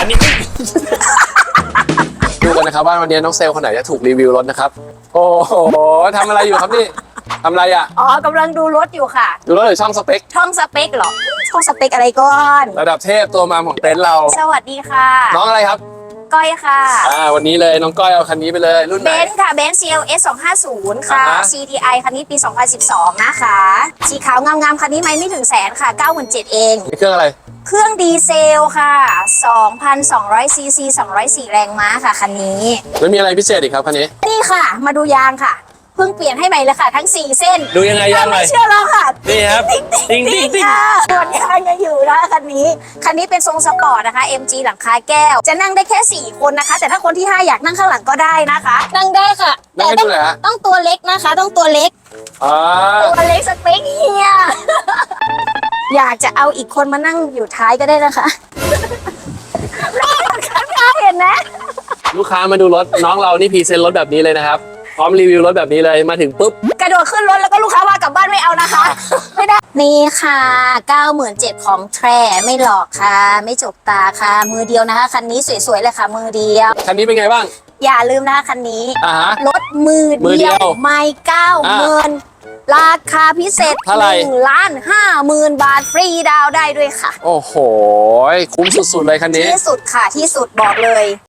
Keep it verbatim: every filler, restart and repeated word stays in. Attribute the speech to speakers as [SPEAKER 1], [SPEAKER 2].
[SPEAKER 1] นนี้ดูกันนะครับว่าวันนี้น้องเซลคนไหนจะถูกรีวิวรถนะครับโอ้โหทำอะไรอยู่ครับนี่ทำอะไรอ่ะ
[SPEAKER 2] อ๋อกำลังดูรถอยู่ค่ะ
[SPEAKER 1] ดูรถหรือช่องสเปค
[SPEAKER 2] ช่องสเปคเหรอช่องสเปคอะไรก่อน
[SPEAKER 1] ระดับเทพตัวมาของเต็นท์เรา
[SPEAKER 2] สวัสดีค่ะ
[SPEAKER 1] น้องอะไรครับ
[SPEAKER 2] ก้อยค่ะ
[SPEAKER 1] อ่าวันนี้เลยน้องก้อยเอาคันนี้ไปเลยรุ่นไห
[SPEAKER 2] เบ
[SPEAKER 1] น
[SPEAKER 2] นซ์ค่ะเบนซ์ ซี แอล เอส สองห้าศูนย์ค่ะ
[SPEAKER 1] อ่าฮะ
[SPEAKER 2] ซี ที ไอ คันนี้ปี สองพันสิบสอง นะคะ สีขาวงามๆคันนี้ไม่ไม่ถึงแสนค่ะ เก้าหมื่นเจ็ดพัน เอง
[SPEAKER 1] นี่เครื่องอะไร
[SPEAKER 2] เครื่องดีเซลค่ะ สองพันสองร้อย ซี ซี สองร้อยสี่ แรงม้าค่ะคันนี้
[SPEAKER 1] แล้วมีอะไรพิเศษอีกครับคันนี้
[SPEAKER 2] นี่ค่ะ มาดูยางค่ะ เพิ่งเปลี่ยนให้ใหม่เลยค่ะ ทั้ง สี่ เส้น
[SPEAKER 1] ดูยังไงยาง
[SPEAKER 2] ถ้า
[SPEAKER 1] ใหม่
[SPEAKER 2] ไม่เชื่อลองค่ะ
[SPEAKER 1] นี่ครับ
[SPEAKER 2] ติ๊ง
[SPEAKER 1] ติ๊งติ๊งติ๊ง
[SPEAKER 2] ค่ะส่วนยางยังอยู่นะคันนี้ คันนี้เป็นทรงสปอร์ตนะคะ เอ็ม จี หลังคาแก้ว จะนั่งได้แค่ สี่ คนนะคะ แต่ถ้าคนที่ ห้า อยากนั่งข้างหลังก็ได้นะคะ นั่งได้ค่ะ
[SPEAKER 1] นั่งให้
[SPEAKER 2] ต้
[SPEAKER 1] ดู
[SPEAKER 2] อง
[SPEAKER 1] หน่อยฮะ
[SPEAKER 2] ต้องตัวเล็กนะคะ ต้องตัวเล็ก
[SPEAKER 1] อ่า
[SPEAKER 2] ตัวเล็กสเปคเฮีย อยากจะเอาอีกคนมานั่งอยู่ท้ายก็ได้นะคะ ข้างหน้าเห็นไหม
[SPEAKER 1] ลูกค้ามาดูรถน้องเรานี่พรีเซนต์รถแบบนี้เลยนะครับพร้อมรีวิวรถแบบนี้เลยมาถึงปุ๊บ
[SPEAKER 2] กระโดดขึ้นรถแล้วก็ลูกค้าว่ากลับบ้านไม่เอานะคะ ไม่ได้ นี่ค่ะ เก้าหมื่นเจ็ดพัน ของแท้ไม่หลอกค่ะ ไม่จกตาค่ะ มือเดียวนะคะ คันนี้สวยๆเลยค่ะ มือเดียว
[SPEAKER 1] คันนี้เป็นไงบ้าง
[SPEAKER 2] อย่าลืมนะคะคันนี้
[SPEAKER 1] อ่าฮะ
[SPEAKER 2] รถมือ
[SPEAKER 1] มือเดี
[SPEAKER 2] เดี
[SPEAKER 1] ย
[SPEAKER 2] ยว วไม่เก้าหมื่นราคาพิเศษ
[SPEAKER 1] เท่าไหร่
[SPEAKER 2] หนึ่งล้านห้าหมื่นบาทฟรีดาวน์ได้ด้วยค่ะ
[SPEAKER 1] โอ้โหคุ้มสุดๆเลยคันนี้
[SPEAKER 2] ที่สุดค่ะที่สุดบอกเลย